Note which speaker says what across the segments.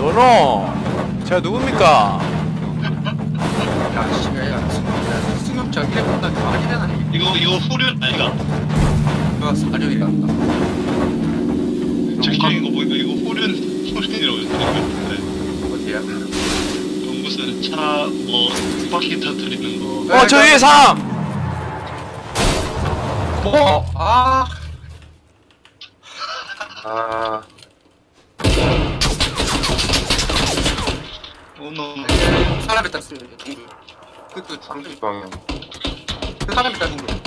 Speaker 1: 번호 제가 누굽니까?
Speaker 2: 야, 씨가 야, 승용 저기에 본다 말이 되나?
Speaker 3: 이거 후륜 아니가?
Speaker 2: 이거 사료이 같다.
Speaker 3: 적혀있는 거 보니까 이거 후륜이라고 했는데
Speaker 2: 어디야?
Speaker 3: 무슨 차 뭐 바퀴 터뜨리는 거.
Speaker 1: 저 위에 사람!
Speaker 2: 뭐? 아,
Speaker 4: 아,
Speaker 3: 오너
Speaker 2: 사람이 딱 쓰는 그
Speaker 4: 30방향.
Speaker 2: 그 사람이 딱 쓴 거.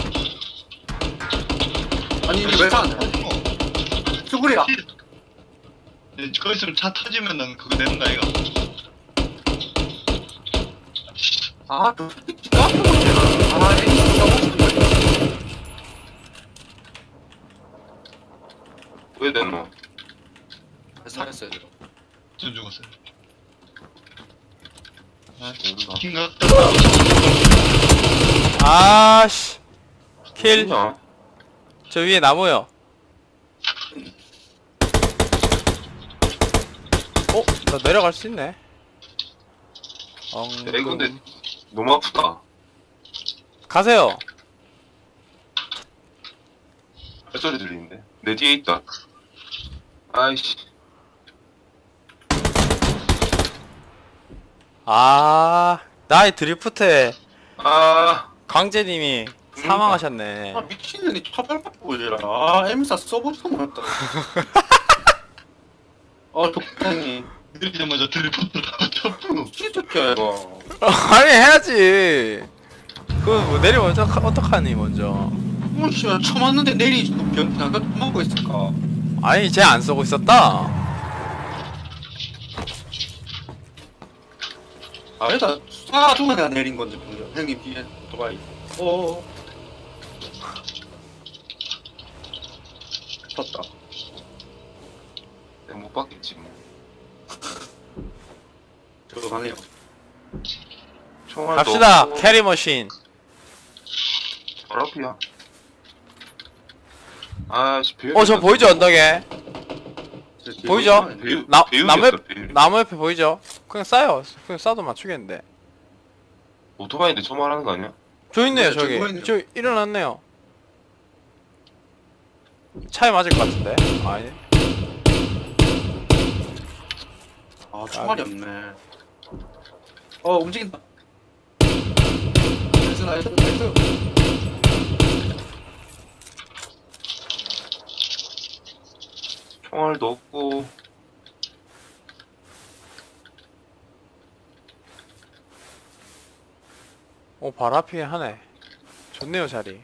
Speaker 2: 아니 이게 왜 사는 거야? 수구리야.
Speaker 3: 거기서 차 터지면은 그거 되는 거 아이가?
Speaker 2: 아, 그 진짜? 아, 애기 너무 싶은데.
Speaker 4: 왜 됐노?
Speaker 2: 살았어요.
Speaker 3: 전 죽었어요. 아,
Speaker 4: 모른다.
Speaker 3: 치킨 같다.
Speaker 1: 아씨 킬.
Speaker 4: 뭐냐?
Speaker 1: 저 위에 나무요. 나 내려갈 수 있네.
Speaker 4: 에이, 근데 너무 아프다.
Speaker 1: 가세요.
Speaker 4: 햇소리 들리는데? 내 뒤에 있다. 아이씨.
Speaker 1: 나의 드리프트에
Speaker 4: 아,
Speaker 1: 광재님이 사망하셨네.
Speaker 2: 아, 미친년이 차발받고 이래라. 아, M사 써보면 했다. 아, 독탱이.
Speaker 3: 내리자마자 드리프트라고 쳤고.
Speaker 2: 진짜 새끼야, 이거.
Speaker 1: 아니 해야지. 그거 뭐 내리면 어떡하니 먼저.
Speaker 2: 뭐, 씨발, 쳐맞는데 내리지. 변태가 먹고 있을까?
Speaker 1: 아니 쟤 안 쏘고 있었다.
Speaker 2: 아니다, 쏴가지고 내가 내린 건데, 분명. 형님 뒤에 도바이. 오. 떴다.
Speaker 4: 내가 못 받겠지 뭐.
Speaker 2: 저거 가네요.
Speaker 4: 총알도
Speaker 1: 갑시다.
Speaker 4: 없고.
Speaker 1: 캐리머신.
Speaker 4: 바로 앞이야. 아씨, 배우.
Speaker 1: 저 보이죠 언덕에? 보이죠?
Speaker 4: 배우,
Speaker 1: 나-
Speaker 4: 배우겠어,
Speaker 1: 나무-
Speaker 4: 배우.
Speaker 1: 나무 옆에 보이죠? 그냥 쏴요. 그냥 쏴도 맞추겠는데.
Speaker 4: 오토바이인데 저 말하는 거 아니야?
Speaker 1: 저 있네요
Speaker 2: 네,
Speaker 1: 저기.
Speaker 2: 저기 있네요.
Speaker 1: 저 일어났네요. 차에 맞을 것 같은데. 아니.
Speaker 2: 아, 총알이 없네. 움직인다. 나이스, 나이스, 나이스.
Speaker 4: 총알도 없고.
Speaker 1: 발 앞이 하네. 좋네요 자리.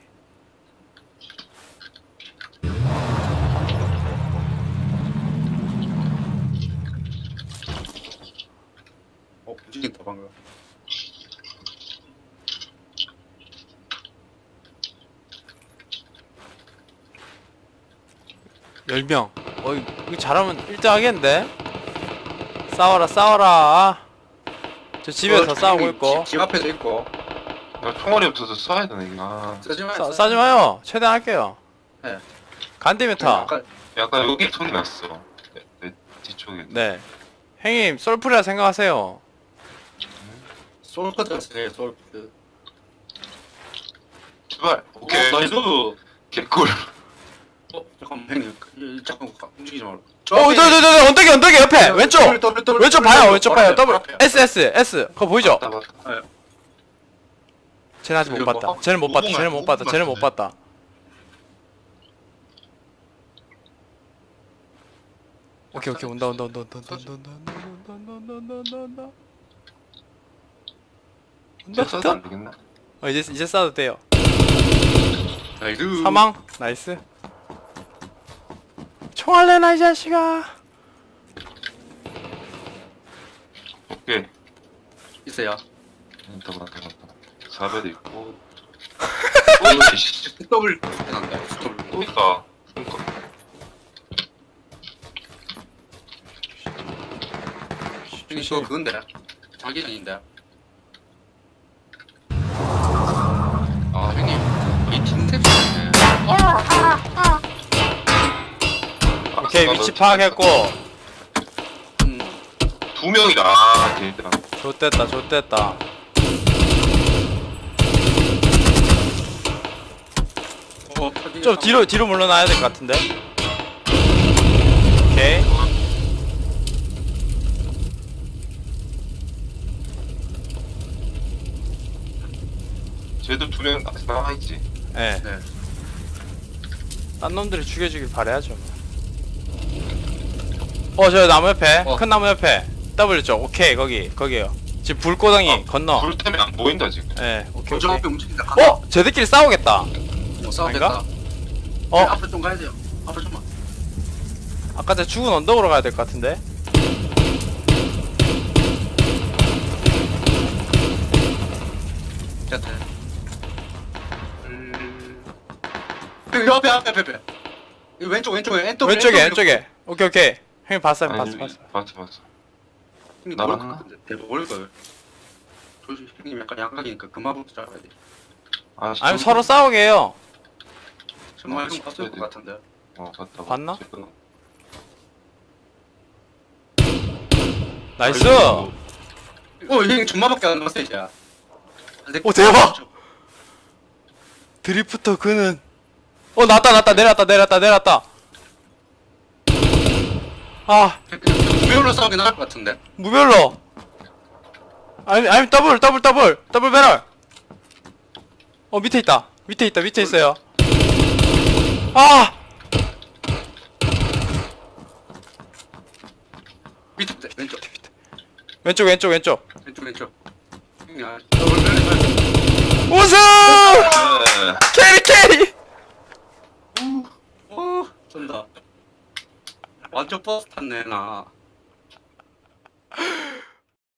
Speaker 2: 움직인다, 방금.
Speaker 1: 열명. 이거 잘하면 1등 하겠는데? 싸워라 싸워라. 저 집에서 싸우고 있고.
Speaker 2: 집 앞에도 있고.
Speaker 4: 나 총알이 없어서 쏴야 되네, 이거. 아,
Speaker 2: 쓰지 마요.
Speaker 1: 싸지 마요. 최대한 할게요.
Speaker 2: 네.
Speaker 1: 간디메타.
Speaker 2: 아까
Speaker 4: 약간 여기 소리 났어. 내 뒤쪽에.
Speaker 1: 네. 형님 솔프리라 생각하세요.
Speaker 2: 솔커드가 세요, 솔커드.
Speaker 4: 제발. 오케이.
Speaker 2: 나이스.
Speaker 4: 개꿀.
Speaker 2: 잠깐만, 형님. 잠깐 움직이지 말고.
Speaker 1: 저 언덕에 옆에 왼쪽. 왼쪽 봐요. 왼쪽 봐요. 더블 S. 그거 보이죠?
Speaker 4: 맞다, 맞다.
Speaker 1: 쟤는 아직 못
Speaker 2: 이거
Speaker 1: 봤다.
Speaker 2: 뭐?
Speaker 1: 쟤는 못 봤다.
Speaker 3: 오분
Speaker 1: 쟤는 못 봤다.
Speaker 3: 같은데.
Speaker 1: 쟤는 못 봤다. 오케이 온다.
Speaker 4: 이제 써도 안 되겠나?
Speaker 1: 이제 쏴도 돼요.
Speaker 2: 나이스.
Speaker 1: 사망. 나이스. 총알 내놔 이 자식아.
Speaker 4: 오케이.
Speaker 2: 있어요.
Speaker 4: 맞다. 4배도 있고. 또 있지.
Speaker 2: 더블 난다. 더블.
Speaker 4: 또 있다. 그니까.
Speaker 2: 형님 이거 그건데. 자기장인데. 아, 형님. 이 팀색 좋네.
Speaker 1: 오케이 위치 파악했고.
Speaker 2: 음.
Speaker 4: 두 명이다. 아, 됐다.
Speaker 1: 좋됐다 좋됐다. 좀 뒤로 물러나야 될 것 같은데. 오케이.
Speaker 4: 쟤도 두 명 남아있지.
Speaker 1: 예.
Speaker 2: 네.
Speaker 1: 딴 놈들이 죽여주길 바래야죠. 저 나무 옆에 큰 나무 옆에 W 쪽. 오케이 거기에요. 지금 불고덩이 건너.
Speaker 4: 불 때문에 안 보인다 지금.
Speaker 1: 예. 오케이
Speaker 2: 저
Speaker 1: 오케이.
Speaker 2: 앞에 움직인다.
Speaker 1: 쟤들끼리 싸우겠다.
Speaker 2: 싸우겠다.
Speaker 1: 어
Speaker 2: 앞에 좀 가야 돼요. 앞에 좀만.
Speaker 1: 아까 전 죽은 언덕으로 가야 될 것 같은데.
Speaker 2: 됐다. 여기 앞에. 이 왼쪽에 엔터.
Speaker 1: 왼쪽에. 오케이. 형님 봤어요.
Speaker 4: 아니,
Speaker 1: 봤어.
Speaker 4: 봤어.
Speaker 2: 형님
Speaker 4: 나랑
Speaker 2: 모를 것 같은데. 대박 모를 걸. 조심. 형님 약간 양각이니까 그만부터 잡아야 돼.
Speaker 4: 아,
Speaker 1: 아니 서로 싸우게 해요.
Speaker 2: 정말 형 봤을 것 같은데.
Speaker 4: 봤다.
Speaker 1: 봤나?
Speaker 4: 지금.
Speaker 1: 나이스.
Speaker 2: 형님 존마밖에 안 남았어 이제.
Speaker 1: 오, 대박! 드리프터 그는 나왔다 내렸다. 아
Speaker 2: 무별로 싸우긴 할 것 같은데.
Speaker 1: 무별로. 아니 더블 배럴. 밑에 있어요. 아
Speaker 2: 밑에
Speaker 1: 왼쪽.
Speaker 2: 왼쪽. 형님
Speaker 1: 우승!
Speaker 4: 네.
Speaker 1: 캐리.
Speaker 2: 오, 쩐다. 완전 버스 탔네 나.